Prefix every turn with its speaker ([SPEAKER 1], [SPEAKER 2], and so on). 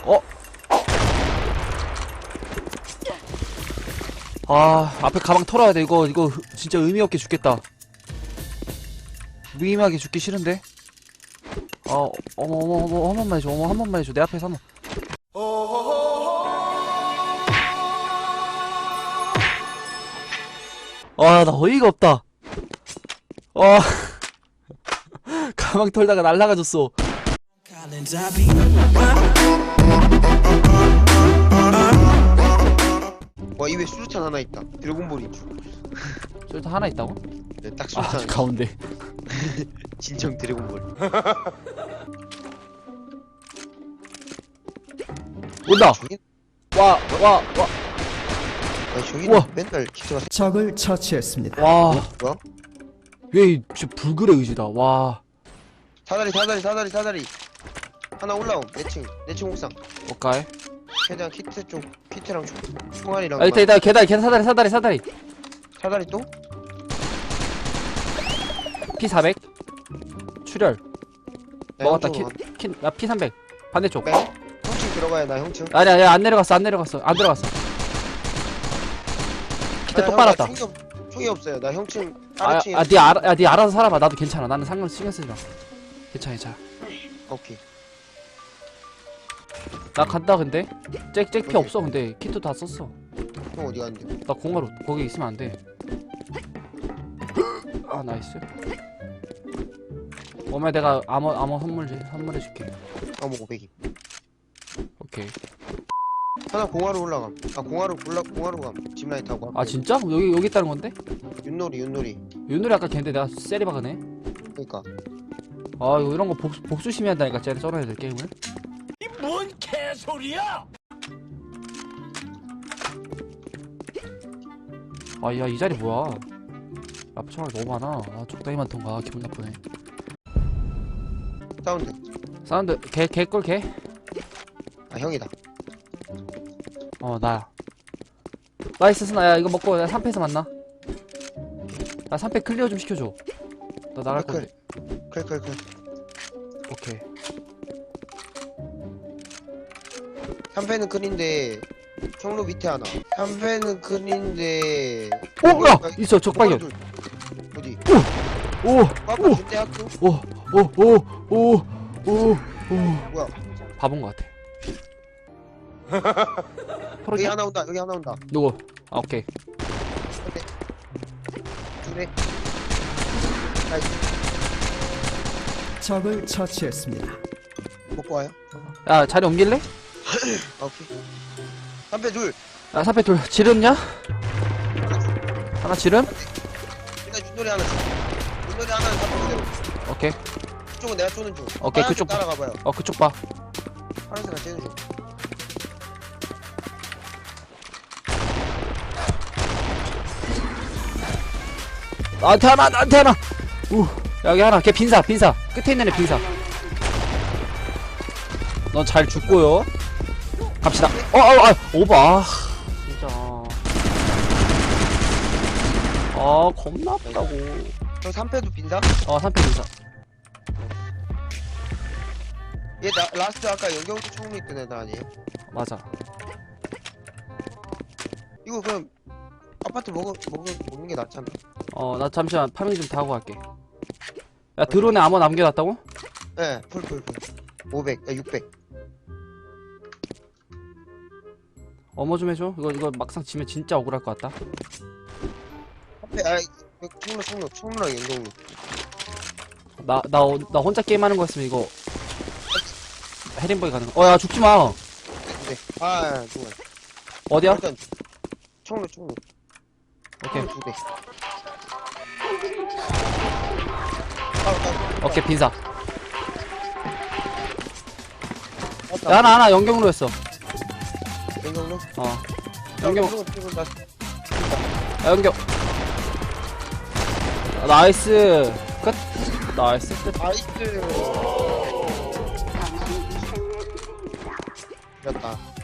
[SPEAKER 1] 어? 아, 앞에 가방 털어야 돼. 이거 진짜 의미 없게 죽겠다. 무의미하게 죽기 싫은데? 어머, 한 번만 해줘. 한 번만 해줘. 내 앞에서 한 번. 나 어이가 없다. 가방 털다가 날라가졌어.
[SPEAKER 2] 와, 입에 수류탄 하나 있다. 드래곤볼인 줄.
[SPEAKER 1] 저기 하나 있다고?
[SPEAKER 2] 네, 딱 수류탄.
[SPEAKER 1] 가운데.
[SPEAKER 2] 진정 드래곤볼.
[SPEAKER 1] 온다!
[SPEAKER 2] 저기?
[SPEAKER 1] 와.
[SPEAKER 2] 저기
[SPEAKER 1] 우와.
[SPEAKER 2] 맨날 기차가
[SPEAKER 3] 적을 처치했습니다.
[SPEAKER 1] 와.
[SPEAKER 2] 뭐야?
[SPEAKER 1] 얘 진짜 불굴의 의지다. 와.
[SPEAKER 2] 사다리. 하나 올라옴. 내층 옥상.
[SPEAKER 1] 오케이.
[SPEAKER 2] 최대한 키트랑 총알이랑.
[SPEAKER 1] 아, 이따, 계단, 사다리.
[SPEAKER 2] 사다리 또?
[SPEAKER 1] P400. 출혈.
[SPEAKER 2] 나
[SPEAKER 1] 먹었다.
[SPEAKER 2] 형층으로
[SPEAKER 1] 나 P300. 반대쪽.
[SPEAKER 2] 가. 형층 들어가야 나 형층.
[SPEAKER 1] 아니야, 안 내려갔어. 안 들어갔어. 키트 또 빨았다.
[SPEAKER 2] 총이 없어요. 나 형층
[SPEAKER 1] 아,
[SPEAKER 2] 아래층에.
[SPEAKER 1] 네 알아서 살아봐. 나도 괜찮아. 나는 신경 쓰지 마. 괜찮아.
[SPEAKER 2] 오케이.
[SPEAKER 1] 나 간다, 근데. 잭피
[SPEAKER 2] 오케이.
[SPEAKER 1] 없어, 근데. 키트 다 썼어.
[SPEAKER 2] 형 어디 갔는데?
[SPEAKER 1] 나 공화로, 거기 있으면 안 돼. 아, 나이스. 오면 내가 암호 선물해줄게.
[SPEAKER 2] 아뭐 500이.
[SPEAKER 1] 오케이.
[SPEAKER 2] 하나 공화로 올라감. 공화로 감. 짚라인 타고.
[SPEAKER 1] 아, 진짜? 여기 있다는 건데?
[SPEAKER 2] 윷놀이.
[SPEAKER 1] 윤놀이 아까 걔인데 내가 세리 박으네.
[SPEAKER 2] 그니까.
[SPEAKER 1] 아, 이런 거 복수심이 한다니까, 쟤네 쩔어야 될 게임을.
[SPEAKER 4] 뭔 개소리야!
[SPEAKER 1] 아, 야, 이 자리 뭐야? 앞에 총알이 너무 많아. 아, 적당히 많던가. 기분 나쁘네.
[SPEAKER 2] 사운드.
[SPEAKER 1] 개꿀.
[SPEAKER 2] 아, 형이다.
[SPEAKER 1] 나야. 나이스 스나야. 이거 먹고 나 3패에서 만나. 나 3패 클리어 좀 시켜줘. 나 나갈 건데.
[SPEAKER 2] 클.
[SPEAKER 1] 오케이.
[SPEAKER 2] 3패는 클인데 청로 밑에 하나. 3패는 클인데.
[SPEAKER 1] 야! 있어, 적발견.
[SPEAKER 2] 어디?
[SPEAKER 1] 오!
[SPEAKER 2] 아까 준대 학교? 뭐야?
[SPEAKER 1] 바본 것 같아.
[SPEAKER 2] 여기 하나 온다.
[SPEAKER 1] 누구? 아, 오케이.
[SPEAKER 2] 둘에. 나이스.
[SPEAKER 3] 적을 처치했습니다.
[SPEAKER 2] 먹고 와요.
[SPEAKER 1] 야, 자리 옮길래?
[SPEAKER 2] 오케이. 3패 둘.
[SPEAKER 1] 야, 3패 둘. 지름냐? 하나 지름?
[SPEAKER 2] 일단 윷놀이 하나. 윷놀이 하나는 3패 그대로.
[SPEAKER 1] 오케이.
[SPEAKER 2] 그쪽은 내가 쏘는 중.
[SPEAKER 1] 오케이,
[SPEAKER 2] 파란색
[SPEAKER 1] 그쪽.
[SPEAKER 2] 따라가봐요.
[SPEAKER 1] 그쪽 봐.
[SPEAKER 2] 파란색은 쟤는 중.
[SPEAKER 1] 나한테 하나. 여기 하나. 걔 빈사. 끝에 있는 애 빈사. 넌 잘 죽고요. 갑시다. 오바. 진짜. 겁나 아프다고.
[SPEAKER 2] 저 3패도 빈사?
[SPEAKER 1] 3패 빈사.
[SPEAKER 2] 얘 라스트 아까 연경도 총로 있던 애들 아니에요?
[SPEAKER 1] 맞아.
[SPEAKER 2] 이거 그럼 아파트 먹는 게 낫잖아.
[SPEAKER 1] 나 잠시만 파밍 좀 다 하고 갈게. 야, 드론에 암호 남겨놨다고?
[SPEAKER 2] 네, 풀. 500, 600.
[SPEAKER 1] 어머 좀 해줘. 이거 막상 지면 진짜 억울할 것 같다.
[SPEAKER 2] 총로랑 연경로.
[SPEAKER 1] 나 혼자 게임하는 거였으면 이거 해림버기 가는 거. 야, 죽지 마.
[SPEAKER 2] 네. 좋아.
[SPEAKER 1] 어디야?
[SPEAKER 2] 일단 총로.
[SPEAKER 1] 오케이.
[SPEAKER 2] 2대.
[SPEAKER 1] 오케이, 빈사. 야, 하나 연경으로 했어.
[SPEAKER 2] 연경로?
[SPEAKER 1] 연경.
[SPEAKER 2] 나
[SPEAKER 1] 야, 연경. 나이스. 끝. 나이스. 끝.
[SPEAKER 2] 나이스. 됐다.